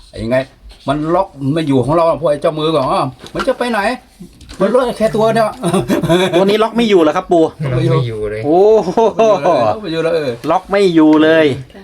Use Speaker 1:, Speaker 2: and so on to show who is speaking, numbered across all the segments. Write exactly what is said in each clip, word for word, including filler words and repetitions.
Speaker 1: ยังไงมันล็อกไม่อยู่ของเราพวกไอ้เจ้ามือก่อนอ่ะมันจะไปไหนมันล็อกแค่ตัวเนี่ย
Speaker 2: ตัวนี้ล็อกไม่อยู่เหรอครับปู่
Speaker 3: เราไม่อยู่เลย
Speaker 2: โอ้โห
Speaker 1: ไม่อยู่แล้วเออ
Speaker 2: ล็อกไม่อยู่เลย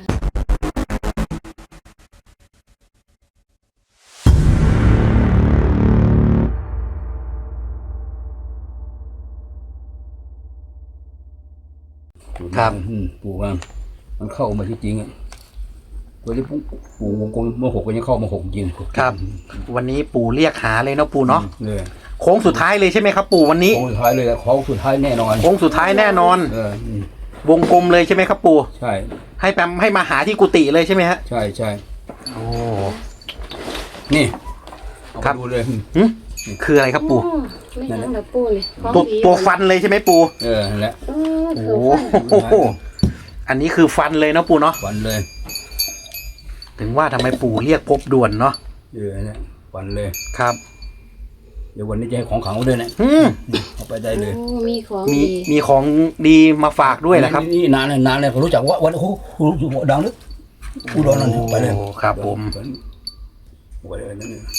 Speaker 2: ครับ
Speaker 1: ปู่ว่ามันเข้ามาที่จริงอ่ะตัวที่ปู่วงกลมเมื่อหกก็ยังเข้ามาหกจริง
Speaker 2: ครับ วันนี้ปู่เรียกหาเลยเนาะปู่เนาะ
Speaker 1: เลย
Speaker 2: โค้งสุดท้ายเลยใช่ไหมครับปู่วันนี้
Speaker 1: โค้งสุดท้ายเลยโค้งสุดท้ายแน่นอน
Speaker 2: โค้งสุดท้ายแน่นอน
Speaker 1: เออ
Speaker 2: วงกลมเลยใช่ไหมครับปู่
Speaker 1: ใช่
Speaker 2: ให้แปมให้มาหาที่กุฏิเลยใช่ไหมฮะ
Speaker 1: ใช่ใช่
Speaker 2: โอ้
Speaker 1: นี่เอา
Speaker 2: ครับ
Speaker 1: ไปดูเลย
Speaker 2: หึคืออะไรครับปู่
Speaker 4: อ๋อไม่ยังแบบปูเลยของ
Speaker 2: ตัว
Speaker 4: ดี
Speaker 2: ตัวฟันเลยใช่ไหมปู่
Speaker 1: เออนั่นแหละ
Speaker 4: เออ
Speaker 2: โอ้
Speaker 4: คือฟัน
Speaker 2: โหอันนี้คือฟันเลยเนาะปู่เนาะ
Speaker 1: ฝันเลย
Speaker 2: ถึงว่าทำไมปู่เรียกพบด่วนเนาะ
Speaker 1: เออนั่นแหละฝันเลย
Speaker 2: ครับ
Speaker 1: เดี๋ยววันนี้จะให้ของขลังเขาด้วยนะ
Speaker 2: อืม
Speaker 1: เอาไปได้เลย
Speaker 4: โอ้มีของ
Speaker 2: มี
Speaker 4: ดี
Speaker 2: มีของดีมาฝากด้วยนะครับ
Speaker 1: นี่นานเลยนานเลยเขารู้จักว่าวันโอ้โหดังลึกอุดรนั่นไปเลย
Speaker 2: โอ้ครับผม
Speaker 1: ไปเลยนั่นเลย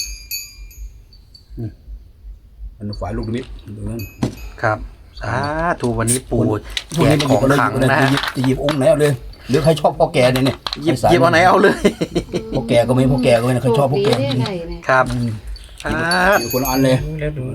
Speaker 1: มันฝ่ายลูกนิมิตตรงนั้น
Speaker 2: ครับสาธุวันนี้ปู่แจกของขลังนะฮะ
Speaker 1: จะหยิบองค์ไหนเอาเลยหรือใครชอบพ่อแก่เนี่ยเนี่ย
Speaker 2: หยิบหยิบเอาไหนเอาเลย
Speaker 1: พ่อแก่ก็ไม่พ่อแก่ก็ไม่ใครชอบพ่อแก่
Speaker 4: โชคดีได้ไหนเนี่ย
Speaker 2: ครับ
Speaker 1: หยิ
Speaker 2: อ่า
Speaker 1: บคนละอันเลย
Speaker 3: แล้วดู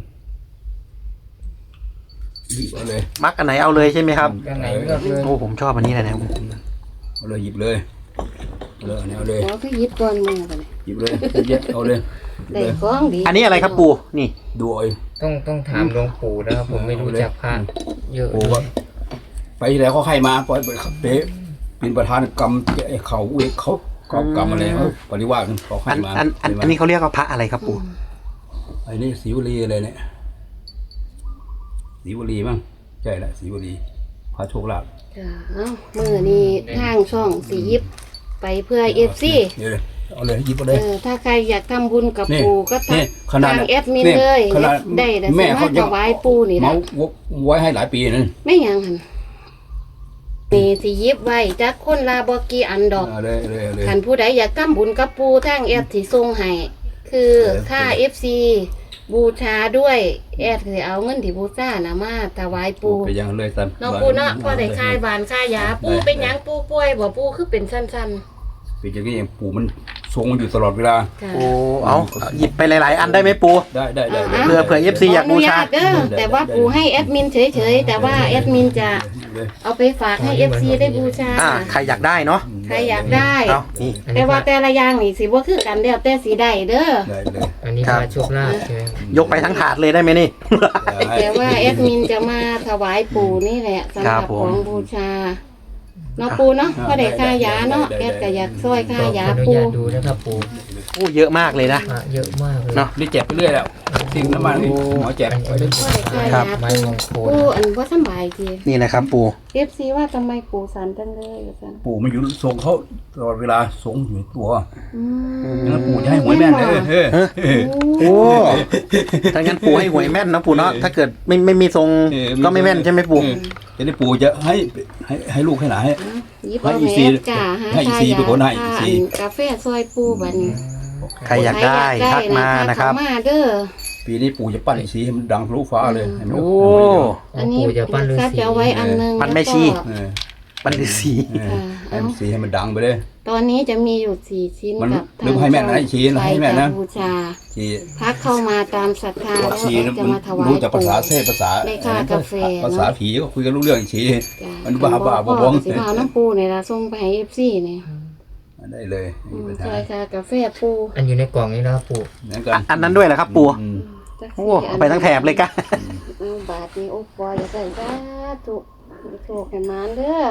Speaker 1: หยิบเอาเลย
Speaker 2: มักอันไหนเอาเลยใช่ไหมครับ
Speaker 3: ข้างไหนเลือกเลย
Speaker 2: โอ้ผมชอบอันนี้เลยนะ
Speaker 1: เอาเลยหยิบเลยเลยเอาเลย
Speaker 4: ขอคือหยิบก่อนมือกันเลย
Speaker 1: หยิบเลยเย็ดเอาเลยหยิบ
Speaker 4: ได้
Speaker 1: เลย
Speaker 4: ของดี
Speaker 2: อันนี้อะไรครับปู่นี่
Speaker 1: ดูเอา
Speaker 3: ต้องต้องถามหลวงปู่นะครับผมไม่รู้จักพระเยอะ
Speaker 1: โอ้ว่าไปที่ไหนเขาให้มาปล่อยไปเป๊ะเป็นประธานกรรมไอ้เขาเอกเขาเขากรรมอะไรเขาปริวาสเขาให้
Speaker 2: อัน
Speaker 1: มา
Speaker 2: อันอันอันนี้เขาเรียกว่าพระอะไรครับปู่
Speaker 1: ไอ้นี่ศรีวลีอะไรเนี่ยศรีวลีมั้งใช่ละศรีวลีพระโชคลาภ
Speaker 4: จ้ะเอ้ามือนี่ทางช่องสียิบไปเพื่อเอฟซี
Speaker 1: เดี๋ยวเลยเอาเลยหยิบเอาเล
Speaker 4: เอย อถ้าใครอยากทำบุญกับ
Speaker 1: นี่
Speaker 4: ปู่ก็ทั
Speaker 1: นี่
Speaker 4: ก
Speaker 1: ขนาด
Speaker 4: ทางแอดมิน
Speaker 1: นี่
Speaker 4: เลย
Speaker 1: ขนาด
Speaker 4: ได้แต่
Speaker 1: แม่
Speaker 4: สา
Speaker 1: เขา
Speaker 4: มารถ
Speaker 1: ยัง
Speaker 4: ถวายปู่นี่
Speaker 1: เมา
Speaker 4: นะ
Speaker 1: ไว้ให้หลายปีนั่น
Speaker 4: ไม่หยังหันมีสียิบไว้จักคนลาบกีอันดอก
Speaker 1: เอาเลยเอาเลยเอาเลย
Speaker 4: ขันผู้ใดอยากทำบุญกับปูทางแอดที่ส่งให้คือค่า เอฟ ซี บูชาด้วยแอดคือเอาเงินที่บูชานะมาถวายปู
Speaker 1: ไปยังเลยตาม
Speaker 4: เนาะปูเนาะพอได้คายบานคายยาปูเป็นหยังปูป่วยบ่ปูคือเป็นสั้น
Speaker 1: เป็นอย่างนี้เองปู่มันทรงอยู่ตลอดเวลา
Speaker 4: ๆค่ะ
Speaker 2: โอ้เอาหยิบไปหลาย ๆ อันได้ไหมปู่
Speaker 1: ได้ได้ได้ได้
Speaker 2: เผื่อเผื่อ เอฟ ซี อยากบูชา
Speaker 4: ขนุญตเด้อแต่ว่าปูให้แอดมินเฉยๆแต่ว่าแอดมินจะเอาไปฝากให้ เอฟ ซี ได้บูชา
Speaker 2: อ่าใครอยากได้เนาะ
Speaker 4: ใครอยากได้
Speaker 2: เอานี่
Speaker 3: อัน
Speaker 4: แต่
Speaker 3: นี้พ
Speaker 4: ว่า
Speaker 3: ระ
Speaker 4: แต่ละอย่างนี่สิบ่คือกันแล้วแต่สีได้เด้อ
Speaker 1: ได้เลย
Speaker 3: อันนี้
Speaker 2: ครั
Speaker 3: พ
Speaker 2: บ
Speaker 3: ระโชคลาภใช่ไหม
Speaker 2: ยกไปทั้งถาดเลยได้ไหมนี่
Speaker 4: แต่ว่าแอดมินจะมาถวายปู่นี่แหละสำห
Speaker 2: ครั
Speaker 4: รั
Speaker 2: บบ ผม
Speaker 4: ของบูชาเนาะปู่เนาะก็ได้ค่ายาเนาะแอดก็อยากช่วยค่ายา
Speaker 3: ขออนุ
Speaker 4: ปู่
Speaker 3: ญาตดูนะครับปู่
Speaker 2: โอ้เยอะมากเลยนะ
Speaker 3: พระเยอะมากเลย
Speaker 2: เนาะ
Speaker 1: นี่แจกไปเรื่อยแล้วสิ่งน้ำมันนี่หมอแจก
Speaker 3: อัน
Speaker 1: ไป
Speaker 3: นี้
Speaker 1: เรื่อย
Speaker 4: ก็ได้ค่า
Speaker 2: ครับ
Speaker 4: ยา
Speaker 3: ไม้
Speaker 4: ปู่
Speaker 3: มงคล
Speaker 4: ปู่อันว่าสำบายที
Speaker 2: นี่นะครับปู่
Speaker 4: เอฟซีว่าทำไมปู่สันจังเลยว่าซั่น
Speaker 1: ปู่มันอยู่ทรงเขาตลอดเวลาทรงอยู่ตัว
Speaker 4: อืม
Speaker 1: งั้นปู่จะให้หวยแม่นเลยเฮ้ย
Speaker 2: โอ้ถ้างั้นปู่ให้หวยแม่นนะปู่เนาะถ้าเกิดไม่ไม่มีทรงก็ไม่แม่นใช่ไหมปู่
Speaker 1: จะได้ปู่จะให้ให้ให้ลูกให้หลานให้
Speaker 4: หยิบเอา
Speaker 1: ให้อี
Speaker 4: แห
Speaker 1: ซี
Speaker 4: นจ่าหา
Speaker 1: ให้อี
Speaker 4: ค่า
Speaker 1: ซี
Speaker 4: ยา
Speaker 1: เป็นคนให้อีซี
Speaker 4: ค่ากาแฟซอยปู่บัดนี้
Speaker 2: ใครอยากได้ทักมานะครับ
Speaker 4: ทักมาเด้อ
Speaker 1: ปีนี้ปู่จะปั้นอีซีให้มันดังทะลุฟ้าเลยเห็นไหม
Speaker 2: โอ้
Speaker 4: อันนี้
Speaker 3: ปู่จะปั้นฤา
Speaker 4: ก็
Speaker 3: ษี
Speaker 4: จะเอาไว้อันหนึง
Speaker 2: ปั้นแม่ชี
Speaker 4: ล้วก็
Speaker 1: เออ
Speaker 2: บันทึกสี
Speaker 1: เออให้มันสีให้มันดังไปเลย
Speaker 4: ตอนนี้จะมีอยู่สี่ชิ้น
Speaker 1: มัน
Speaker 4: กับ
Speaker 1: หรือให้แม่นนะชี้นะให้แม่นนะ
Speaker 4: ไปบูชา
Speaker 1: สี
Speaker 4: พักเข้ามาตามศรัทธาแล้ว
Speaker 1: สี
Speaker 4: ก็จะมาถวาย
Speaker 1: รู้จักภาษา
Speaker 4: ปู่
Speaker 1: เทพภาษา
Speaker 4: ได้ค่ากาแฟ
Speaker 1: ภาษาผีก็คุยกันรู้เรื่องอีสี
Speaker 4: จ้ะ
Speaker 1: มันบ้าบ้าบ
Speaker 4: พ่
Speaker 1: วง
Speaker 4: สิพาน้ำปูเนี่ยละส่งไปให้เอฟซีเนี่ย
Speaker 1: ได้เลยไม่
Speaker 4: อื
Speaker 1: มี
Speaker 4: ม
Speaker 1: ปัญหา
Speaker 4: ช่วยค่ากาแฟปู
Speaker 3: อันอยู่ในกล่องนี้นะครับปู่
Speaker 1: นั่นกั
Speaker 2: อ่ะอันนั้นด้วยเหรอครับปู่
Speaker 1: อืม
Speaker 4: จัก
Speaker 2: โอ้
Speaker 4: สี่
Speaker 2: เอาไปทั้งแถบเลยกะ
Speaker 4: เอาบาทนี้โอ้ปอยอย่าใส่สาธุโชคให้มานเด้อ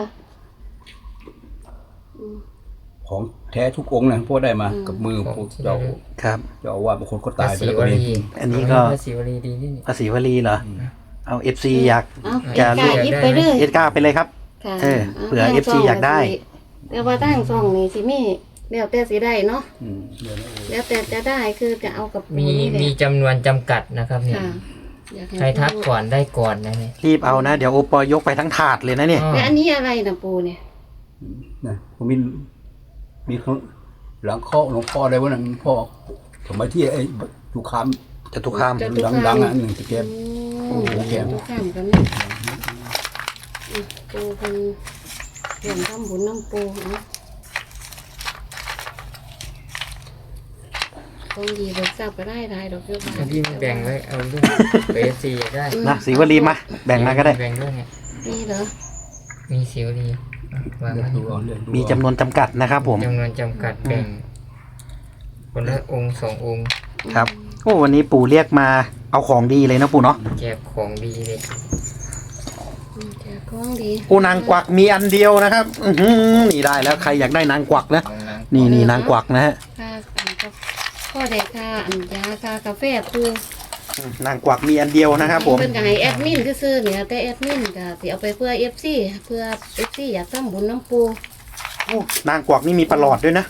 Speaker 4: อืม
Speaker 1: ของแท้ทุกองค์นะพวกได้มา
Speaker 4: อืม
Speaker 1: กับมือพวกเจ้า
Speaker 2: ครับ
Speaker 1: เจ้าอาว่าสบางคนก็
Speaker 3: พระ
Speaker 1: ตายไป
Speaker 3: ศิ
Speaker 1: แล้ว
Speaker 3: ว
Speaker 1: ก็มี
Speaker 3: ลี
Speaker 2: อันนี้ก็
Speaker 3: พระศิวลีดีนี่
Speaker 2: ภาษีวลีเหรอเอาเอฟซีอยาก
Speaker 4: เอา
Speaker 2: จะ
Speaker 4: เอ็ดกายิบไปเลย
Speaker 2: เอสก้าไปเลยครับ
Speaker 4: ค่ะ
Speaker 2: เออเผื่อ
Speaker 4: ทาง
Speaker 2: เอฟซี
Speaker 4: ช่ง
Speaker 2: อยากได้
Speaker 4: สิแต่ว่าตั้งซองนี่สิมีแล้วแต่สิได้เนาะ
Speaker 1: อืมเดี๋ยวนะ
Speaker 4: แล้วแต่จะได้คือจะเอากับปู
Speaker 3: มี
Speaker 4: นี่แหละ
Speaker 3: มีจำนวนจำกัดนะครับเนี่ย
Speaker 4: ค่ะอยาก
Speaker 3: ใครทักก่อนได้ก่อนนะเนี่ย
Speaker 2: รีบเอานะ เดี๋ยวโอปอยยกไปทั้งถาดเลยนะเนี่ย
Speaker 3: อ๋อ
Speaker 4: แล้วอันนี้อะไรนะปูเนี่ย
Speaker 1: นะผมมีมีเขาหลังข้อหลวงพ่ออะไรวะนั่นพ่อสมัยที่ไอ้ทุกค
Speaker 2: จตุคาม
Speaker 1: ำดังๆอ่ะหนึ่งตะเกียบ
Speaker 4: โอ้โห
Speaker 1: แก้ม
Speaker 4: ทุกข้ามกันนะอืมปูเป็นเรื่องทำบุญน้ำปูเนาะคงดีเบิกทราบก็ได้ได้ดอกเยอะมาก
Speaker 3: อันที่แบ่งไว้เอาด้วยเอฟซีได้
Speaker 2: นะศรีวลีมาแบ่งมาก็ได้
Speaker 3: แบ่งด้วยไง
Speaker 4: นี่เหรอ
Speaker 3: มีสิวดีอ่ะวางไว้
Speaker 1: ดูเอาเรื่องดู
Speaker 2: มีจำนวนจำกัดนะครับผม
Speaker 3: จำนวนจำกัดแบ่ง คนละองค์สององค์
Speaker 2: ครับโอ้วันนี้ปู่เรียกมาเอาของดีเลยนะปู่เนาะ
Speaker 3: แจกของดีเลย
Speaker 4: อืมแจกของดี
Speaker 2: โอ้นางกวักมีอันเดียวนะครับ อือหือนี่ได้แล้วใครอยากได้นางกวักนะ
Speaker 3: ของนาง
Speaker 2: นี่นี่นางกวักนะฮะ
Speaker 4: ค่าอันก็พ่อได้ค่าอันยาค่ากาแฟปู
Speaker 2: นางกวักมีอันเดียวนะครับผม
Speaker 4: เพิ่นก็ให้แอดมินซื่อๆเนี่ยแต่แอดมินก็สิเอาไปเพื่อ เอฟ ซี เพื่อ เอฟ ซี อยากทำบุญน้ำปู
Speaker 2: โอ้นางกวักนี่มีประหลอดด้วยนะ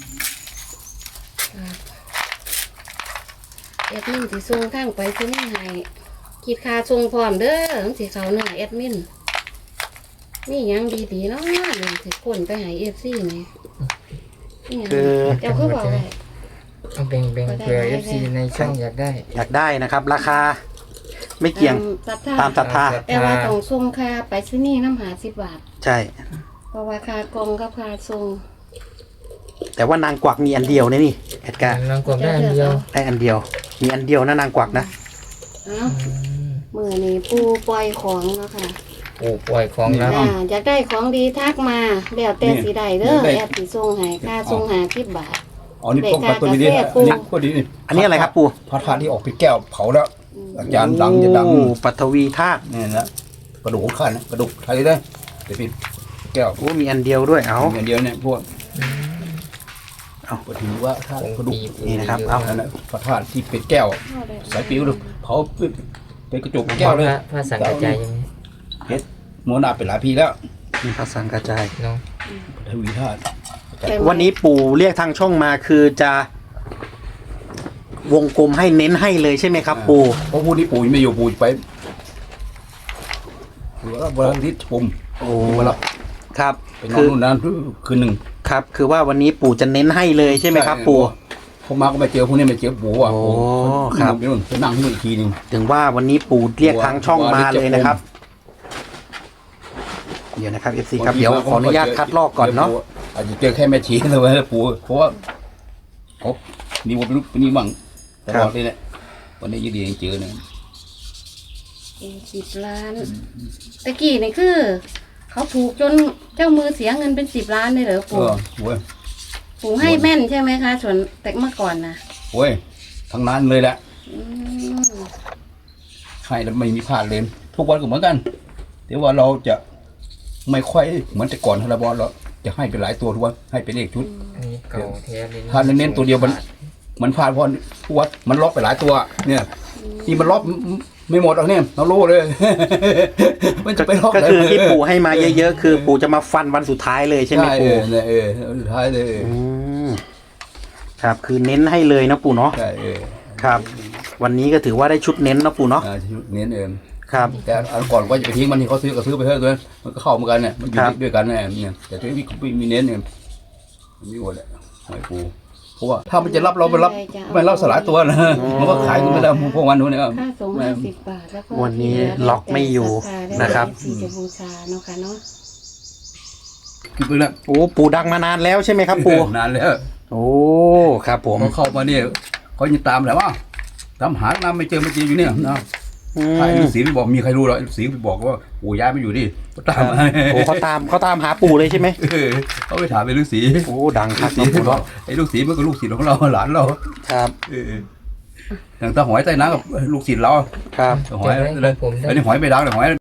Speaker 4: แอดมินสิส่งทางไปซื้อนี่ให้คิดค่าส่งพร้อมเด้อจังสิเขาเนื้อแอดมินนี่หยังดีๆเนาะเดี๋ยวสิคนไปให้ เอฟ ซี นี่นี่หยัง
Speaker 2: คือ
Speaker 4: เจ้าคือบอกไว้
Speaker 3: เอาแบ่งแบ่งเผื่อเอฟซีในช่องอยากได้
Speaker 2: อยากได้นะครับ ราคา ไม่เกี่ยง
Speaker 4: ศรัทธา
Speaker 2: ตามศรัทธา
Speaker 4: แต่ว่าต้องส่งค่าไปซื้อนี่น้ำหาสิบบาท
Speaker 2: ใช่
Speaker 4: เพราะว่าค่ากองกับค่าส่ง
Speaker 2: แต่ว่านางกวักมีอันเดียวนะนี่แอดการ์
Speaker 3: นางกวักได้อันเดียว
Speaker 2: ได้อันเดียว มีอันเดียวนะนางกวักนะ
Speaker 4: เอ้ามือนี้ปูปล่อยของแล้วค่ะ
Speaker 3: โอ้ปล่อยของแล้ว
Speaker 4: อ่าอยากได้ของดีทักมาแล้วแต่สีใดเด้อแอดสีส่งให้ค่าส่งหาสิบบาท
Speaker 1: อ๋อนี่พวกปลาตัวนี้
Speaker 4: เด็
Speaker 1: นี่
Speaker 4: กกาแฟปู
Speaker 1: นี่พวกนี้นี่
Speaker 2: อันนี้อะไรครับปู่
Speaker 1: พระธาตุที่ออกเป็นแก้วเผาแล้วอาจารย์ดังจะดัง
Speaker 2: โอ้ปัทวีธาตุ
Speaker 1: นี่นะกระดูกของข้านะกระดูกไทยได้เดี๋ยวเป็นแก้ว
Speaker 2: โอ้มีอันเดียวด้วย เอา
Speaker 1: อย่างเดียวเนี่ยพวก
Speaker 2: เอา
Speaker 1: ก็ถือว่าถ้า
Speaker 3: องค์
Speaker 1: กระดูก
Speaker 3: ปี
Speaker 2: นี่นะครับ
Speaker 3: เย
Speaker 2: เอา
Speaker 1: นั่นแหละพระธาตุที่เป็นแก้วสายปิวเลยเผาเป็นกระจกแก้วเลย
Speaker 3: พระพระสังกัจจายยังไง
Speaker 1: มรณะเป็นหลายปีแล้ว
Speaker 2: มีพระสังกระจาย
Speaker 3: เนาะ
Speaker 1: ทวีธาตุ
Speaker 2: วันนี้ปู่เรียกทางช่องมาคือจะวงกลมให้เน้นให้เลยใช่ไหมครับ ปู่
Speaker 1: เพราะพูดที่ปู่ยังไม่อยู่ปู่ไปหรือว่าวันอาทิตย์ชม
Speaker 2: โอ้
Speaker 1: วันละ
Speaker 2: ครับ
Speaker 1: ไปนอน
Speaker 2: คือ
Speaker 1: นู่นนั่นคืนหนึ่ง
Speaker 2: ครับ คือว่าวันนี้ปู่จะเน้นให้เลยใช่ไหมครับ ปู่
Speaker 1: เขามาก็ไม่เจอพวกนี้ไม่เจอปู่อ่ะ
Speaker 2: โอ้
Speaker 1: ปู่
Speaker 2: ครับ
Speaker 1: ไปนู่นไปนั่งที่นู่นอีกทีหนึง
Speaker 2: ถึงว่าวันนี้ปู่เรียกทางช่องมาเลยนะครับ เดี๋ยวนะครับเอฟซีครับเดี๋ยวขออนุญาตคัดลอกก่อนเนาะ
Speaker 1: อาจจะเจอแค่แม่ชีเลยว่าปู่เพราะว่าเขามีวันลุกนี่บ้างตลอดเลยแหละวันนี้ยืดดีเจอเนี่ย
Speaker 4: สิบล้านตะกี้นี่คือ เขาถูกจนเจ้ามือเสียเงินเป็นสิบล้านเลยเหรอ
Speaker 1: เอ
Speaker 4: ปู่
Speaker 1: อโว้ย
Speaker 4: ปู่ให้แม่นใช่ไหมคะส่วนแต่เมื่อก่อนนะ
Speaker 1: โว้ยทั้งนั้นเลยแหละ
Speaker 4: อืม
Speaker 1: ให้แล้วไม่มีพลาดเลยทุกวันก็เหมือนกันแต่ว่าเราจะไม่ค่อยเหมือนแต่ก่อนทาราบอลเราจะให้เป็นหลายตัวทุกวันให้เป็นเลขชุด
Speaker 3: อันนี้เก่าแท้เลย
Speaker 1: ถ้าเน้นๆตัวเดียวมัน มันพลาดเพราะทุกวันมันล็อกไปหลายตัว เนี่ยที่มันล็อกไม่หมดหรอกเนี่ยเรารู้เลย มันจะไปล็อก
Speaker 2: ก็คือที่ปู่ให้มาเยอะๆคือปู่จะมาฟันวันสุดท้ายเลยใช่ไหม
Speaker 1: ใช่เอ
Speaker 2: ปู่
Speaker 1: อเนี่ยเออสุดท้ายเลย
Speaker 2: อืมครับ คือเน้นให้เลยนะปู่เนาะ
Speaker 1: ใช่เออ
Speaker 2: ครับ วันนี้ก็ถือว่าได้ชุดเน้นนะปู่เนาะ
Speaker 1: อ่าเน้นเออ
Speaker 2: ครับ
Speaker 1: แต่อันก่อนก็จะไปทิ้งมันที่เขาซื้อก็ซื้อไปเถอะตัวนั้นมันก็เข้าเหมือนกันเนี่ยมันอยู่
Speaker 2: ครับ
Speaker 1: ด้วยกันเนี่ยเนี่ยแต่ที่นี่ไม่มีเน้นเนี่ยมันมีหมดแหละหอยปูเพราะว่าถ้ามันจะรับเราไปรับไม่รับสลายตัวนะมันก็ขายกันไม่ได้พวกวันนู้นเนี่ย
Speaker 4: ค่าส่งห้าสิบบาทแล้วก็
Speaker 2: วันนี้ล็อกไม่อยู่นะครับ
Speaker 4: ที่จะบูชาเนาะค่ะเนาะ
Speaker 1: คือไปแล้ว
Speaker 2: โอ้ปู่ดังมานานแล้วใช่ไหมครับปู่
Speaker 1: นานแล้ว
Speaker 2: โอ้ครับผม
Speaker 1: เขาเข้ามาเนี่ยเขายังตามแหละว่าตามหาน้ำไม่เจอไม่เจออยู่เนี่ยนะ
Speaker 2: อื
Speaker 1: ใคร
Speaker 2: ม
Speaker 1: ลูกศิษย์ไปบอกมีใครรู้หรอกลูกศิษย์ไปบอกว่าปู่ย้ายมาอยู่นี่ก็ตามมา
Speaker 2: โอ้เขาตามเขาตามหาปู่เลยใช่ไหม
Speaker 1: เออเขาไปถามไอ้ลูกศิษย์
Speaker 2: โอ้ดังครับ
Speaker 1: ลู
Speaker 2: น้อก ง
Speaker 1: ศิษ
Speaker 2: ปู่
Speaker 1: ย์บอ
Speaker 2: เนาะ
Speaker 1: กไอ้ลูกศิษย์มันก็ลูกศิษย์ของเราหลานเรา
Speaker 2: ครับ
Speaker 1: เอออย่างตาหอยใต้น้ำกับลูกศิษย์เรา
Speaker 2: ครับ
Speaker 1: หอยเลยอันนี้หอยไม่ดังแต่หอย